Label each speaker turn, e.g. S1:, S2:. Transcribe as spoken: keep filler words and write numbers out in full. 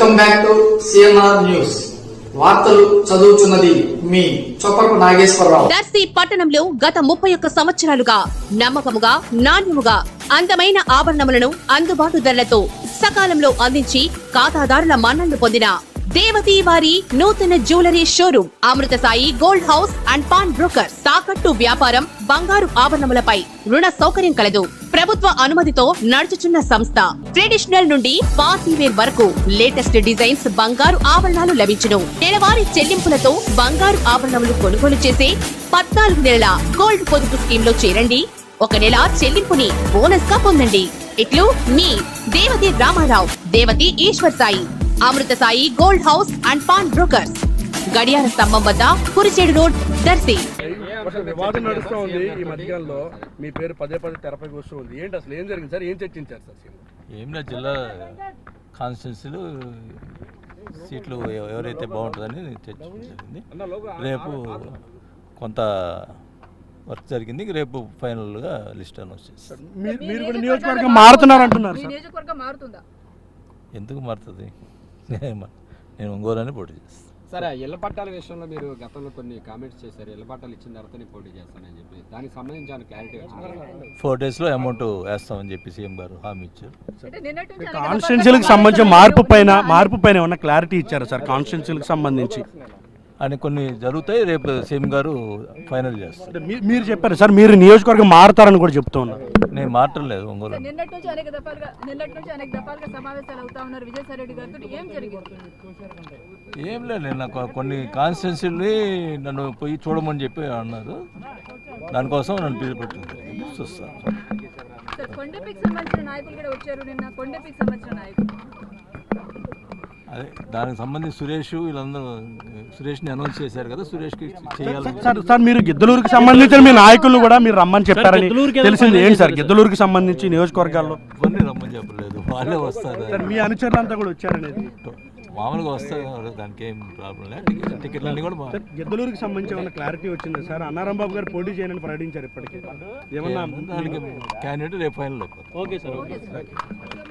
S1: Welcome back to CMR news. వార్తలు చదువుతున్నది మీ చొప్పరపు నాగేశ్వరరావు.
S2: దర్శి పట్టణంలో గత ముప్పై ఒక్క సంవత్సరాలుగా నమ్మకముగా నాణ్యముగా అందమైన ఆభరణములను అందుబాటు ధరలతో సకాలంలో అందించి ఖాతాదారుల మన్ననలు పొందిన దేవతి వారి నూతన jewellery showroom Amrutha Sai gold house and pawn broker. తాకట్టు వ్యాపారం, బంగారు ఆభరణములపై రుణ సౌకర్యం కలదు. ప్రభుత్వ అనుమతితో నడుచుచున్న సంస్థ. ట్రెడిషనల్ నుండి పార్టీ వేర్ వరకు లేటెస్ట్ డిజైన్స్ బంగారు ఆభరణాలు లభించును. నెలవారీ చెల్లింపులతో బంగారు ఆభరణములు కొనుగోలు చేసే పద్నాలుగు నెలల గోల్డ్ పొదుపు స్కీమ్ లో చేరండి. ఒక నెల చెల్లింపుని బోనస్ గా పొందండి. ఇట్లు మీ Devathi Ramarao, Devathi Eshwar Sai, Amrutha Sai gold house and pawn brokers, గడియార స్తంభం వద్ద కురిచేడు రోడ్, దర్శి.
S3: వివాదం నడుస్తూ ఉంది. ఈ మధ్యకాలంలో మీ పేరు పదే పదే తెరపైకి వస్తూ ఉంది. ఏంటి అసలు ఏం జరిగింది సార్? ఏం చర్చించారు సార్?
S4: ఏం లేదు, జిల్లా కాన్స్టిట్యున్సీలు సీట్లు ఎవరైతే బాగుంటుందని చర్చించడం జరిగింది. రేపు కొంత వర్క్ జరిగింది. రేపు ఫైనల్గా లిస్ట్ అని వచ్చేసి
S3: మీరు కూడా నియోజకవర్గం మారుతున్నారు అంటున్నారు.
S4: ఎందుకు మారుతుంది? నేను ఒంగోలని పోటీ చేస్తాను.
S5: సరే, ఇళ్ల పట్టాల విషయంలో మీరు గతంలో కొన్ని కామెంట్స్ చేశారు. ఇళ్ల పట్టాలు ఇచ్చిన తర్వాతనే పోటీ చేస్తానని చెప్పి దానికి సంబంధించి క్లారిటీ వచ్చింది.
S4: ఫోర్ డేస్లో అమౌంట్ వేస్తామని చెప్పి సీఎం గారు హామీ ఇచ్చారు.
S3: కాన్స్టిట్యున్సీలకు సంబంధించి మార్పు పైన మార్పు పైన ఏమన్నా క్లారిటీ ఇచ్చారు సార్? కాన్స్టిట్యున్సీలకు సంబంధించి
S4: అని కొన్ని జరుగుతాయి. రేపు సీఎం గారు ఫైనల్ చేస్తారు.
S3: మీరు చెప్పారు సార్, మీరు నియోజకవర్గం మారుతారని కూడా చెప్తూ ఉన్నారు.
S4: నేను మారటం లేదు. ఒంగోలు
S6: నిన్నటి నుంచి అనేక దఫాలుగా నిన్నటి నుంచి అనేక దఫాలుగా సమావేశాలు అవుతా ఉన్నారు విజయసాయి రెడ్డి గారితో. ఏం జరిగింది?
S4: ఏం లేదు, నేను నాకు కొన్ని కాన్స్టిట్యున్సీని నన్ను పోయి చూడమని చెప్పి అన్నారు. దానికోసం నన్ను పిలిపెట్టింది, చూస్తాను.
S6: సార్, కొండపీకి సంబంధించిన నాయకులు కూడా వచ్చారు నిన్న. కొండపీకి సంబంధించిన నాయకులు
S4: అదే దానికి సంబంధించి సురేష్ వీళ్ళందరూ సురేష్ని అనౌన్స్ చేశారు కదా, సురేష్కి చేయాలి.
S3: సార్ సార్ మీరు గిద్దలూరుకి సంబంధించిన మీ నాయకులు కూడా మీరు రమ్మని చెప్పారని తెలిసింది. ఏంటి సార్ గిద్దలూరుకి సంబంధించి నియోజకవర్గాల్లో?
S4: ఇవన్నీ రమ్మని చెప్పలేదు, వాళ్ళే వస్తారు.
S3: మీ అనుచరులు అంతా కూడా వచ్చారనేది
S4: మామూలుగా వస్తారు, దానికి ఏం ప్రాబ్లం లేదు. టికెట్ టికెట్లన్నీ కూడా
S3: గిద్దలూరుకి సంబంధించి ఏమన్నా క్లారిటీ వచ్చింది సార్? అన్నారాం బాబు గారు పోటీ చేయనని ప్రకటించారు. ఇప్పటికీ ఏమన్నా
S4: దానికి క్యాండిడేట్ రేపు ఫైనల్ అయిపోతుంది.
S3: Okay sir, okay.